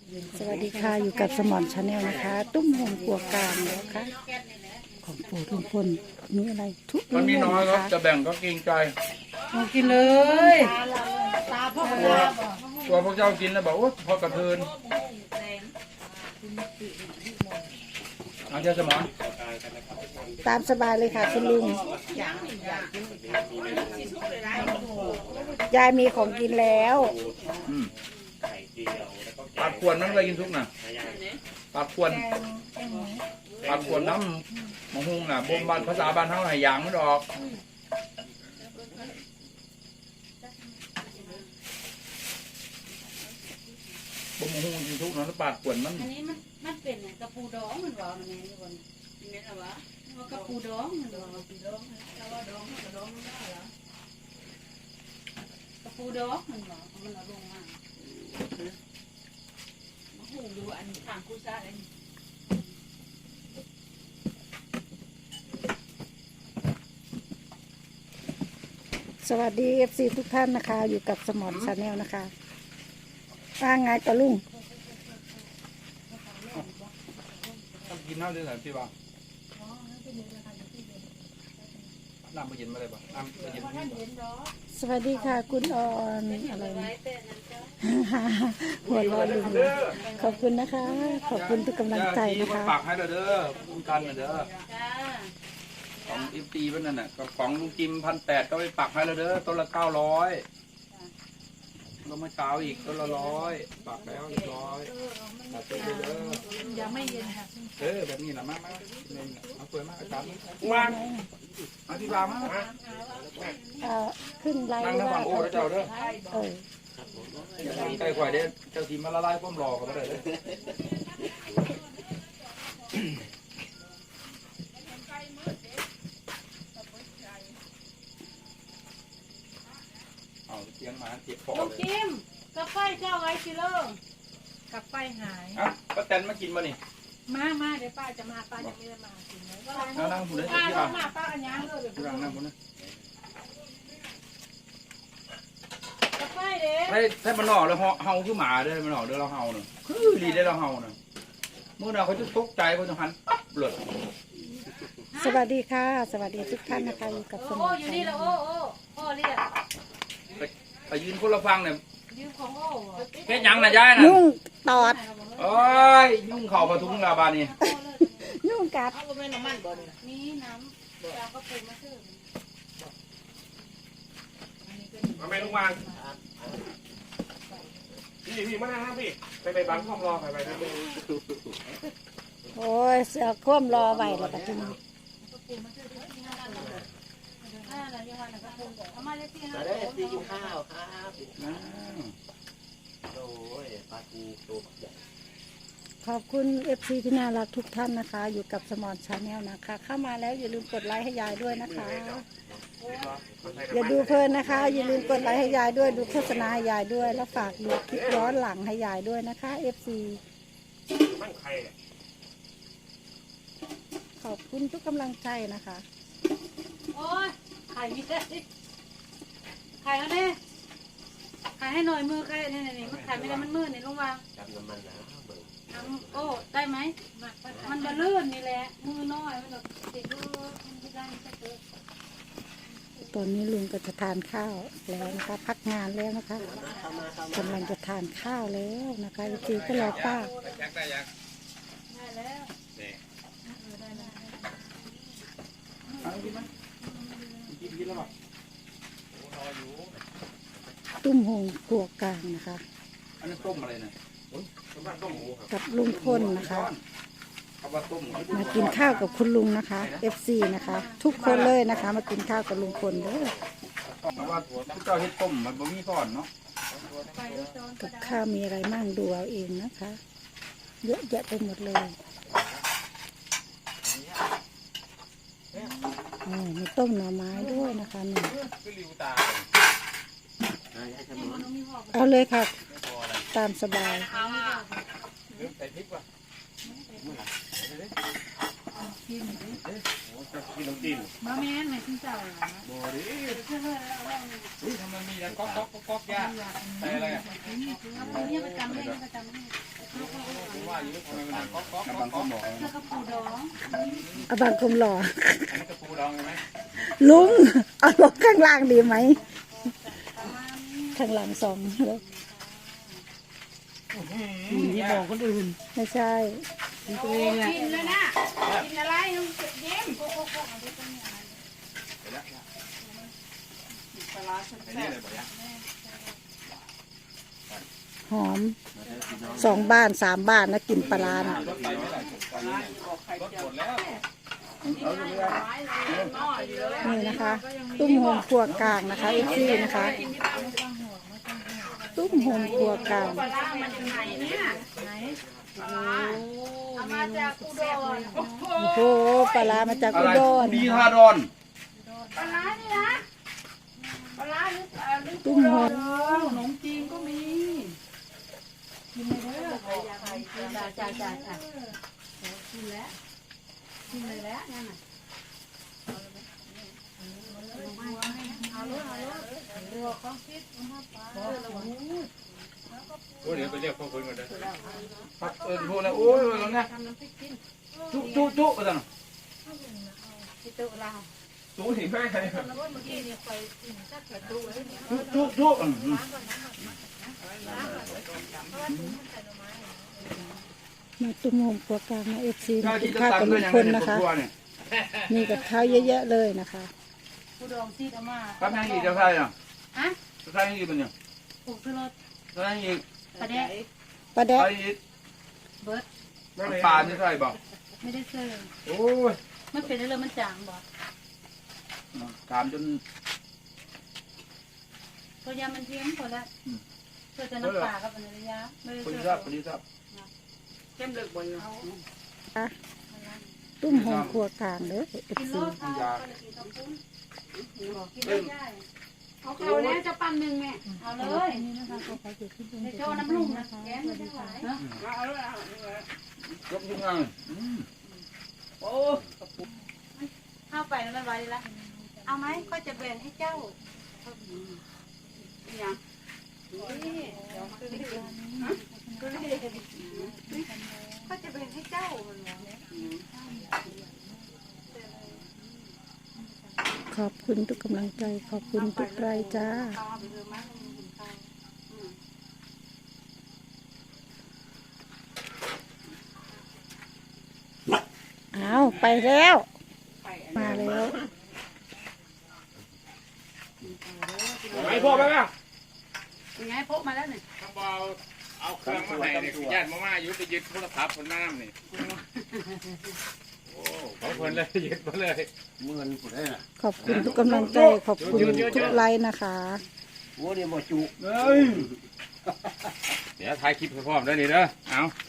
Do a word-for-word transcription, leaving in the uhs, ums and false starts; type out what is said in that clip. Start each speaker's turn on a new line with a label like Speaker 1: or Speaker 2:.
Speaker 1: สวัสดีค่ะอยู่กับสมอนชาแนลนะคะ ตุ้มหงกัวกลางแล้วค่ะของโปรดลุงพลมีอะไรทุก
Speaker 2: มันมี
Speaker 1: เรื่อง
Speaker 2: น้อย
Speaker 1: นะ
Speaker 2: ครับ
Speaker 1: คะ
Speaker 2: จะแบ่งก็เกรงใจ
Speaker 3: มากินเลยตาพ่อ
Speaker 2: ตัวตัวพวกเจ้ากินแล้วบอกว่าพอกระเทินอาจารย์สมอน
Speaker 1: ตามสบายเลยค่ะคุณลุงยายมีของกินแล้ว
Speaker 2: อืมปาดขวนมันไปกินทุกน่ะปาดขวนปาดขวนน้ำมะฮุงน่ะบ่มบ้านภาษาบ้านเฮาให้หยางมันออกบ่มะฮุงกินทุกน่ะแล้วปาดขวนมัน
Speaker 4: อันนี้มันมันเป็นกระปูดองมันว่ามันไงนี่บนนี่แม่นเหรอวะว่ากระปูดองมันว่ากระปูดองแล้วว่าดองกระดองมันได้เหรอกระปูดองมันว่ามันเอาลงมามาหูดูอันทางกูซ่าเลย
Speaker 1: สวัสดีเอฟซีทุกท่านนะคะ อยู่กับสมอนชาแนลนะคะว่าไงตะลุง
Speaker 2: ต้องกินน้ำด้วยเหรอพี่บ่าวน้ำไปเย็นมาเลยบ่น้ำไปเย็นมาเลยบ่
Speaker 1: สวัสดีค่ะคุณออนอะไรนะหัวเร้อนลุงขอบคุณนะคะ ขอบคุณทุกกำลังใจนะคะ
Speaker 2: ปากให้เราเด้อคุณกันเด้อ
Speaker 4: จ้า
Speaker 2: ของอิฟตีวันนั้นน่ะของลุงจิมพันแปดก็ไปปักให้เราเด้อต้นละเก้าร้อยเราไม่เช้าอีกต้นละร้อยปักแล้วเรียบร้อยปักไปเด้อ
Speaker 3: ยังไม่เย็นค่ะ
Speaker 2: เออแบบนี้แหละมากมากนี่เอาสวยมากอาจารย์วางอธิบายมา
Speaker 1: เอ่อขึ้นไลน์
Speaker 2: นั่งทั้งฝั่งโอ้แล้วเจ้าเด้อ
Speaker 1: เออ
Speaker 2: อย่าทำใกล้ข่อยเด้อเจ้าทีมมาละลายป้อมรอกันมาเลยเด้อเอาเตียงมาเตียงคอ
Speaker 4: ลูก
Speaker 2: เลย
Speaker 4: จิมกระไฟเจ้าไว้กิโล
Speaker 3: กับไฟหาย
Speaker 2: อ่ะป้าแตนมากินมานี่
Speaker 3: มามาเดี๋ยวป้าจะมาป้าจะไม่ได้มากินเลย
Speaker 2: นั่งนั่งผู้ใด
Speaker 3: ป้า
Speaker 2: ที่
Speaker 3: ล
Speaker 2: ร้าง น
Speaker 3: มาป้าอันยังเลย
Speaker 2: ที่ร้านนั่งผู้นั้น
Speaker 4: กระไฟเด้
Speaker 2: ให้ให้มันหน่อแล้วเฮาคือหมาเด้อมันหน่อเด้อเราเฮาเนาะคือรีได้เราเฮาเนาะเมื่อน่ะเขาจะตกใจเขาจะหันปั๊บเลย
Speaker 1: สวัสดีค่ะ สวัสดีทุกท่านนะคะอยู่กับสม
Speaker 4: โอ้
Speaker 1: อน
Speaker 4: อยู่
Speaker 1: ชา
Speaker 4: นี่
Speaker 1: แน
Speaker 4: แล้ว
Speaker 1: ล
Speaker 4: โอ้โอ้พ่อเรียก
Speaker 2: ไปไปยืนคนละฟังเนี่ย
Speaker 4: ยืมของโอ้
Speaker 2: เฮ็ดหยังน่ะยายน่ะ
Speaker 1: ยุ่งตอด
Speaker 2: โอ้ยยุ่งเข่าปะทุงลาบานี่
Speaker 1: ยุ่งกัด
Speaker 4: มีน้ำเราก็ปรุงมาซื้อ
Speaker 5: มาแม่ลุงวางพี่พี่มาหน้าห้างพี่ไปไปบังความรอไปไปไป
Speaker 1: โอ้ยเสือคว่ำรอไว้แล้วก็ทีนี้
Speaker 4: ห้านาทีวันก็ปรุงเอามาได้ที่ห้า
Speaker 6: มาได้ซีกินข้าวครับ
Speaker 2: นะ
Speaker 6: โอ้ยปลาทูตัวใหญ่
Speaker 1: ขอบคุณเอฟซีที่น่ารักทุกท่านนะคะ อยู่กับสมอนชาแนลนะคะ เข้ามาแล้วอย่าลืมกดไลค์ให้ยายด้วยนะคะ อย่าดูเพลินนะคะ อย่าลืมกดไลค์ให้ยายด้วยดูโฆษณาให้ยายด้วย แล้วฝากดูคลิปย้อนหลังให้ยายด้วยนะคะเอฟซี
Speaker 5: มั่งใครเนี่ย
Speaker 1: ขอบคุณทุกกำลังใจนะคะ
Speaker 4: โอ้ยไข่ไม่ได้ไข่แล้วเนี่ยไข่ให้หน่อยมือไข่นี่นี่มันไข่ไม่ได้มันมืดนี่ลงวาง
Speaker 6: จำน้ำมันแล้วเบิ่ง
Speaker 4: ทำโอ้ได้ไหมมันบะลื่นนี่แหละมือน้อยมันแบบติดลูกมันไม่ได้จะเกิด
Speaker 1: ตอนนี้ลุงก็จะทานข้าวแล้วนะคะ พักงานแล้วนะคะ
Speaker 6: เข้ามาเข้ามาก
Speaker 1: ำลังจะทานข้าวแล้วนะคะเอฟซีก็รอป้า
Speaker 2: ยักได้ยัก
Speaker 4: ได้แล้ว
Speaker 2: เอากินมั้ยกินกินแล้วป่ะ
Speaker 1: ตุ้มหงกัวกลางนะคะ
Speaker 2: อันนี้ต้มอะไรนะ
Speaker 5: ต้มต้มหมูครับ
Speaker 1: กับลุงพลนะคะ
Speaker 2: เอาว่าต้ม
Speaker 1: มากินข้าวกับคุณลุงนะคะเอฟซีนะคะ ทุกคนเลยนะคะ มากินข้าวกับลุงพลเด้อ
Speaker 2: เพราะว่าเจ้าเฮ็ดต้มมันบ่มีก้อนเนาะ
Speaker 1: กับข้าวมีอะไรมั่งดูเอาเองนะคะ เยอะแยะไปหมดเลยอ๋อมีต้มหน่อไม้ด้วยนะคะนี่
Speaker 2: คือริวตา
Speaker 6: อ่ายายจะมอน
Speaker 1: เอาเลยค่ะ ตามสบาย
Speaker 2: ลืมใส่พริกว่ะ
Speaker 5: กินน้ำจิ้ม
Speaker 3: มาแม่นไหนคุณเจ้าเหรอ
Speaker 2: บ่ดิอุ้ยทำไมมีแล้วก๊อกก๊อกก๊อกก๊อกยาใส่อะไรอ่ะ
Speaker 4: เอาคนนี้ประจำเลยประจำเลย
Speaker 2: อยู่ทำไมมันดังก๊อกก๊อกก๊อกก๊อก
Speaker 4: แล้วก็ปูดอง
Speaker 1: เอาบางคมหล่อ
Speaker 2: อันนี้กระปูดองใช่ไหม
Speaker 1: ลุงเอาลงข้างล่างดีไหมข้างหลังสองแล้ว
Speaker 3: ที่บอกคนอื่น
Speaker 1: ไม่ใช่
Speaker 3: ตัวเองแหละ
Speaker 4: กินเลยนะกินอะไรลุงเย็ม
Speaker 2: ไปแล้วปลาแซ่บเลยบอกยัง
Speaker 1: หอมสองบ้านสามบ้านนะกินปลาร้าน่ะ
Speaker 2: รถไปไม่ไหลตอนนี้รถหมดแล้วเอาเรือ
Speaker 1: นี่นะคะ ตุ้มโฮมครัวกลางนะคะเอฟซีนะคะ ตุ้มโฮมครัวกลาง
Speaker 4: ปลาร้ามันอยู่ไหนเนี่ยไหนปลาร้าเอามาจากอุดร
Speaker 1: โอ้โหปลาร้ามาจาก
Speaker 2: อะ
Speaker 1: อุ
Speaker 2: ไร
Speaker 1: ดร
Speaker 2: ดีฮาดอน
Speaker 4: ปลาร้านี่นะปลาร้าหรือเอ่อหรือ
Speaker 1: ตุ้มโฮม
Speaker 3: ขนมจีนก็มี
Speaker 4: จ้าจ้าจ้าจ้ากินแล้วกินเลยแล้วนั่นน่ะเอาเลยเอาเลยเรือของพิษมาปลา
Speaker 5: โอ้เดี๋ยวไปเรียกพ่อคุณก่อนนะ
Speaker 2: ครับเออพูดแล้วโอ้ยตรงนี้
Speaker 4: ทำน้ำพริกกิน
Speaker 2: จุ๊จุ๊จุ๊ไปจัง
Speaker 4: ที่ตู้เรา
Speaker 2: จุ๊หิแม่ใคร
Speaker 4: เมื่อกี้เนี่ยไปจักประตูไว้เนี่ย
Speaker 2: จุ๊จุ๊จุ๊อืม
Speaker 1: มาตุ้มโฮมครัวกลางนะเอฟซี
Speaker 2: เจ้า
Speaker 1: กิ
Speaker 2: ที่
Speaker 1: น
Speaker 2: จะ
Speaker 1: ข้าว
Speaker 2: ตั
Speaker 1: กับ
Speaker 2: ด
Speaker 1: ลุ
Speaker 2: ด้วย
Speaker 1: ง
Speaker 2: ยัง
Speaker 1: พล
Speaker 2: ไง
Speaker 1: นะคะ
Speaker 2: ตัวเนี่ย
Speaker 1: มีกับข้าวเยอะแยะเลยนะคะ
Speaker 4: ผู้ดองซีดอามา
Speaker 2: ครับยังอีกจะใช่อ่ะ
Speaker 4: ฮะ
Speaker 2: จะใช่อีกเป็นยัง
Speaker 4: ปลูกซื้อรถ
Speaker 2: จะใช่อีก
Speaker 4: ประเดะ
Speaker 1: ปลาแดก
Speaker 2: ใช่อีก
Speaker 4: เบิร์ด
Speaker 2: ปลาไม่ใช่บอก
Speaker 4: ไม่ได้ซื้อ
Speaker 2: โอ้ย
Speaker 4: มันเป็นอะไรมันจางบ่
Speaker 2: ถามจน
Speaker 4: ตัวยามันเทียมคนละเพื่อจะน้ำปลากับเป็นระยะไม่ได้
Speaker 2: คน
Speaker 4: ซื้อ
Speaker 2: ทราบคนทราบ
Speaker 4: เข้มเลือกบนเอา
Speaker 1: ตุ้มโฮมครัวกลางเด้อเอฟ
Speaker 4: กิน
Speaker 1: ซี
Speaker 4: โลดเอากินข้าวปุ้นกินได้ได้เอาเขาแล้วจะปั้นหนึ่งแม่เอาเลยในโจ้น้ำลุ่มนะแกงไม่ได้หวานนะ
Speaker 2: ยกยังไงโอ้
Speaker 4: เข้าไปแล้วมันไว้ละเอาไหมก็จะแบ่งให้เจ้าอย่างนี่เดี๋ยวคือก็จะแบ่งให้เจ้ามัน
Speaker 1: ขอบคุณทุกกำลังใจขอบคุณทุกไลค์จ้าเอาไปแล้ว มาแล้ว
Speaker 5: ไปพ่อไปป่ะ
Speaker 4: เป็นไงพกมาแล้วเนี่ย
Speaker 5: ทำเบาเอาเครื่องมาให้เนี่ยญาติมาม่าอยู่ไปยึดโทรศัพท์คนน้ำนี่โอ้เขาคนเลยยึดมาเลย
Speaker 6: เงินผู้ใดน่ะ
Speaker 1: ขอบคุณทุกกำลังใจขอบคุณทุกไลค์นะคะ
Speaker 6: โอ้นี่บ่จุ
Speaker 2: เฮ้ย
Speaker 5: เดี๋ยวถ่ายคลิปให้พร้อมได้นี่เด้อเอา